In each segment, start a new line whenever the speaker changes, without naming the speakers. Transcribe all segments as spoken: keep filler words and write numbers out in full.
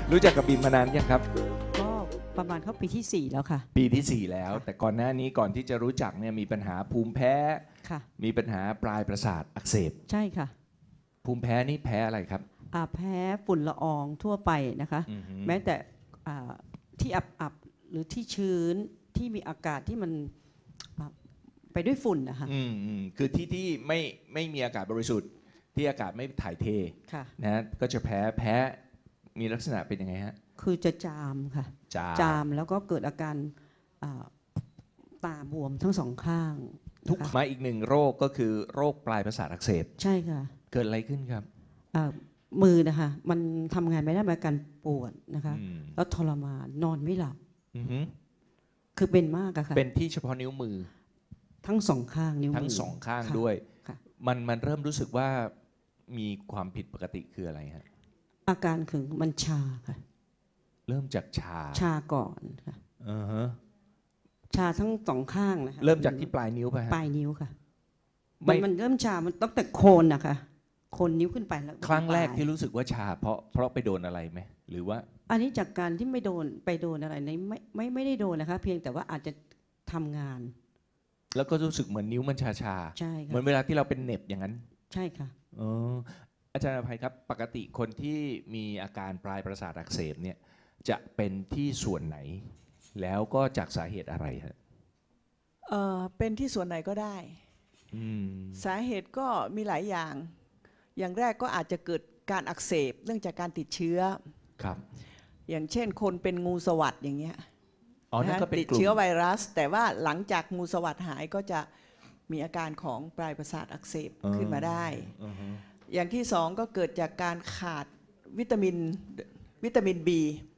รู้จักกับบีมมานานยังครับ
ก็ประมาณเข้าปีที่สี่แล้วค่ะ
ปีที่สี่แล้วแต่ก่อนหน้านี้ก่อนที่จะรู้จักเนี่ยมีปัญหาภูมิแพ้
ค่ะ
มีปัญหาปลายประสาทอักเสบ
ใช่ค่ะ
ภูมิแพ้นี่แพ้อะไรครับ
อ่าแพ้ฝุ่นละอองทั่วไปนะคะแม้แต่อ่าที่อับๆหรือที่ชื้นที่มีอากาศที่มันไปด้วยฝุ่นนะคะ
อืมอืมคือที่ที่ไม่ไม่มีอากาศบริสุทธิ์ที่อากาศไม่ถ่ายเทนะก็จะแพ้แพ้มีลักษณะเป็นยังไงฮะ
คือจะจามค่ะ
จาม
จามแล้วก็เกิดอาการตาบวมทั้งสองข้าง
ทุกมาอีกหนึ่งโรคก็คือโรคปลายประสาทอักเสบ
ใช่ค่ะ
เกิดอะไรขึ้นครับ
มือนะคะมันทำงานไม่ได้มาการปวดนะคะแล้วทรมานนอนไม่หลับคือเป็นมากอะค่ะ
เป็นที่เฉพาะนิ้วมือ
ทั้งสองข้างนิ้วมือ
ทั้งสองข้างด้วยมันมันเริ่มรู้สึกว่ามีความผิดปกติคืออะไรฮะ
อาการคือมันชาค่ะ
เริ่มจากชา
ชาก่อนค่ะ
อือฮะ
ชาทั้งสองข้างนะคะ
เริ่มจากที่ปลายนิ้วไปฮะ
ปลายนิ้วค่ะมันมันเริ่มชามันตั้งแต่โคนนะคะโคนนิ้วขึ้นไปแล้ว
ครั้งแรกที่รู้สึกว่าชาเพราะเพราะไปโดนอะไรไหมหรือว่า
อันนี้จากการที่ไม่โดนไปโดนอะไรในไม่ไม่ไม่ได้โดนนะคะเพียงแต่ว่าอาจจะทำงาน
แล้วก็รู้สึกเหมือนนิ้วมันชาชา
ใช่ค่ะ
เหมือนเวลาที่เราเป็นเน็บอย่างนั้น
ใช่ค่ะ
อ๋ออาจารย์อภัยครับปกติคนที่มีอาการปลายประสาทอักเสบเนี่ยจะเป็นที่ส่วนไหนแล้วก็จากสาเหตุอะไรฮะ
เอ่อเป็นที่ส่วนไหนก็ได้สาเหตุก็มีหลายอย่างอย่างแรกก็อาจจะเกิดการอักเสบเนื่องจากการติดเชื้อ
ครับ
อย่างเช่นคนเป็นงูสวัสด์อย่างเงี้ย
ติ
ดเชื้อไวรัสแต่ว่าหลังจากงูสวัสด์หายก็จะมีอาการของปลายประสาทอักเสบขึ้นมาได้อย่างที่สองก็เกิดจากการขาดวิตามินวิตามิน B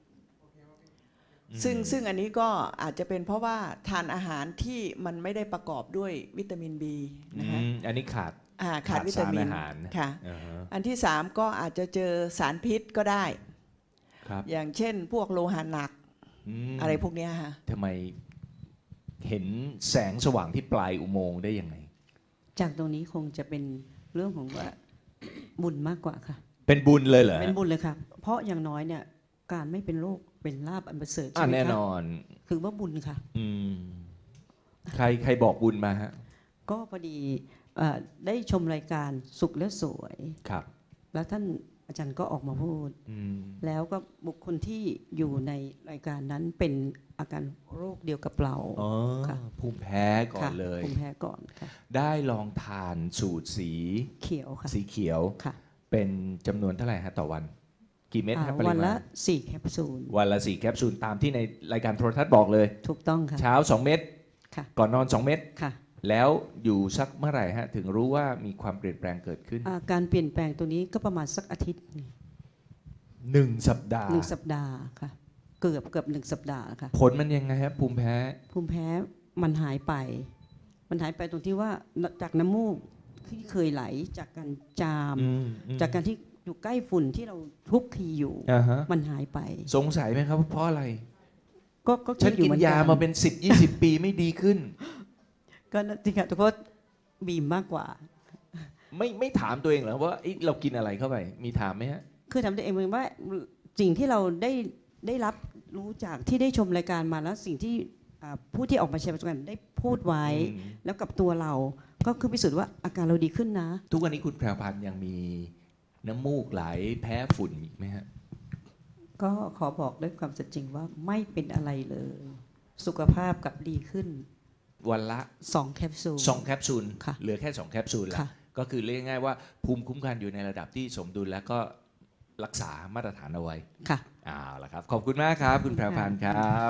ซึ่งซึ่งอันนี้ก็อาจจะเป็นเพราะว่าทานอาหารที่มันไม่ได้ประกอบด้วยวิตามิน B นะคะ
อันนี้ขาด
ขาดวิตามินค่ะอันที่สามก็อาจจะเจอสารพิษก็ได้อย่างเช่นพวกโลหะหนักอะไรพวกนี้ค่ะ
ทำไมเห็นแสงสว่างที่ปลายอุโมงค์ได้ยังไง
จากตรงนี้คงจะเป็นเรื่องของว่าบุญมากกว่าค่ะ
เป็นบุญเลยเหรอ
เป็นบุญเลยค่ะเพราะอย่างน้อยเนี่ยการไม่เป็นโรคเป็นลาภอันประเสริฐใช่ไหมคะ
แน่นอน
คือว่าบุญค่ะ
ใครใครบอกบุญมาฮะ
ก็พอดีได้ชมรายการสุขและสวย
ครับ
แล้วท่านอาจารย์ก็ออกมาพูดแล้วก็บุคคลที่อยู่ในรายการนั้นเป็นอาการโรคเดียวกับเรา
ค่ะภูมิแพ้ก่อนเลย
ภูมิแพ้ก่อนค่ะ
ได้ลองทานสูตรสี
เขียวค่ะ
สีเขียว
ค่ะ
เป็นจำนวนเท่าไหร่ฮะต่อวันกี่เม็ดครับ
วันละสี่แคปซูล
วันละสี่แคปซูลตามที่ในรายการโทรทัศน์บอกเลย
ถูกต้องค่ะ
เช้าสองเม็ดก่อนนอนสองเม็ด
ค่ะ
แล้วอยู่สักเมื่อไหร่ฮะถึงรู้ว่ามีความเปลี่ยนแปลงเกิดขึ้น
การเปลี่ยนแปลงตัวนี้ก็ประมาณสักอาทิตย์
หนึ่งสัปดาห์
หนึ่งสัปดาห์ค่ะเกือบเกือบหนึ่งสัปดาห์ค่ะ
ผลมันยังไงครับภูมิแพ้
ภูมิแพ้มันหายไปมันหายไปตรงที่ว่าจากน้ำมูกที่เคยไหลจากการจามจากการที่อยู่ใกล้ฝุ่นที่เราทุกทีอยู่มันหายไป
สงสัยไหมครับเพราะอะไร
ก็ก็
ฉันกินยามาเป็นสิบยี่สิบปีไม่ดีขึ้น
ก็จริงๆทุกคนบีมมากกว่า
ไม่ไม่ถามตัวเองเหรอว่าเรากินอะไรเข้าไปมีถามไหมฮะ
คือถามตัวเองว่าสิ่งที่เราได้ได้รับรู้จากที่ได้ชมรายการมาแล้วสิ่งที่ผู้ที่ออกมาแชร์ประสบการณ์ได้พูดไว้แล้วกับตัวเราก็คือพิสูจน์ว่าอาการเราดีขึ้นนะ
ทุกวันนี้คุณแพรวพันธ์ยังมีน้ำมูกไหลแพ้ฝุ่นอีกไหมฮะ
ก็ขอบอกด้วยความสัจจริงว่าไม่เป็นอะไรเลยสุขภาพกลับดีขึ้น
วันละ
สองแคปซูล
สองแคปซูลเหลือแค่สองแคปซูลแล้วก็คือเรียกง่ายๆว่าภูมิคุ้มกันอยู่ในระดับที่สมดุลแล้วก็รักษามาตรฐานเอาไว้
ค่ะ
เอาละครับขอบคุณมากครับคุณแพรวพันธ์ครับ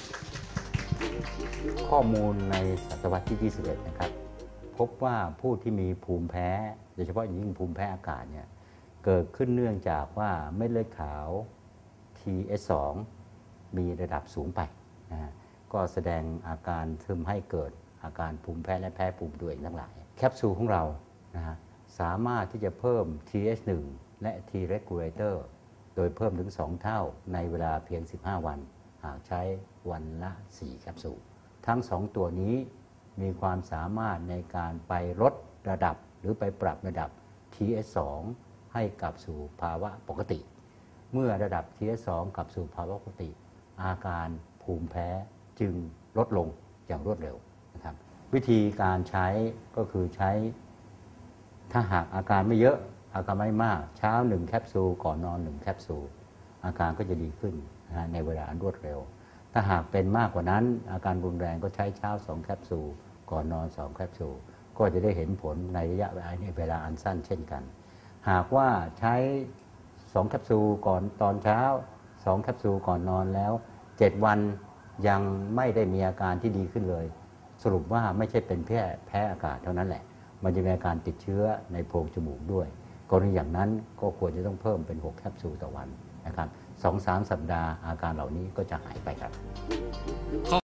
ข้อมูลในศตวรรษที่ยี่สิบเอ็ดนะครับพบว่าผู้ที่มีภูมิแพ้โดยเฉพาะอย่างยิ่งภูมิแพ้อากาศเนี่ยเกิดขึ้นเนื่องจากว่าเม็ดเลือดขาว ที เอส สอง มีระดับสูงไปนะก็แสดงอาการทำให้เกิดอาการภูมิแพ้และแพ้ภูมิตัวเองทั้งหลายแคปซูลของเรานะฮะสามารถที่จะเพิ่ม ที เอส หนึ่ง และ T regulator โดยเพิ่มถึงสองเท่าในเวลาเพียงสิบห้าวันหากใช้วันละสี่แคปซูลทั้งสองตัวนี้มีความสามารถในการไปลดระดับหรือไปปรับระดับ ที เอส สอง ให้กลับสู่ภาวะปกติเมื่อระดับ ที เอส สอง กลับสู่ภาวะปกติอาการภูมิแพ้จึงลดลงอย่างรวดเร็วนะครับวิธีการใช้ก็คือใช้ถ้าหากอาการไม่เยอะอาการไม่มากเช้าหนึ่งแคปซูลก่อนนอนหนึ่งแคปซูลอาการก็จะดีขึ้นนะในเวลาอันรวดเร็วถ้าหากเป็นมากกว่านั้นอาการรุนแรงก็ใช้เช้าสองแคปซูลก่อนนอนสองแคปซูลก็จะได้เห็นผลในระยะเวลาอันสั้นเช่นกันหากว่าใช้สองแคปซูลก่อนตอนเช้าสองแคปซูลก่อนนอนแล้วเจ็ดวันยังไม่ได้มีอาการที่ดีขึ้นเลยสรุปว่าไม่ใช่เป็นแค่แพ้อากาศเท่านั้นแหละมันจะมีอาการติดเชื้อในโพรงจมูกด้วยกรณีอย่างนั้นก็ควรจะต้องเพิ่มเป็นหกแคปซูลต่อวันนะครับ สองถึงสาม สัปดาห์อาการเหล่านี้ก็จะหายไปครับ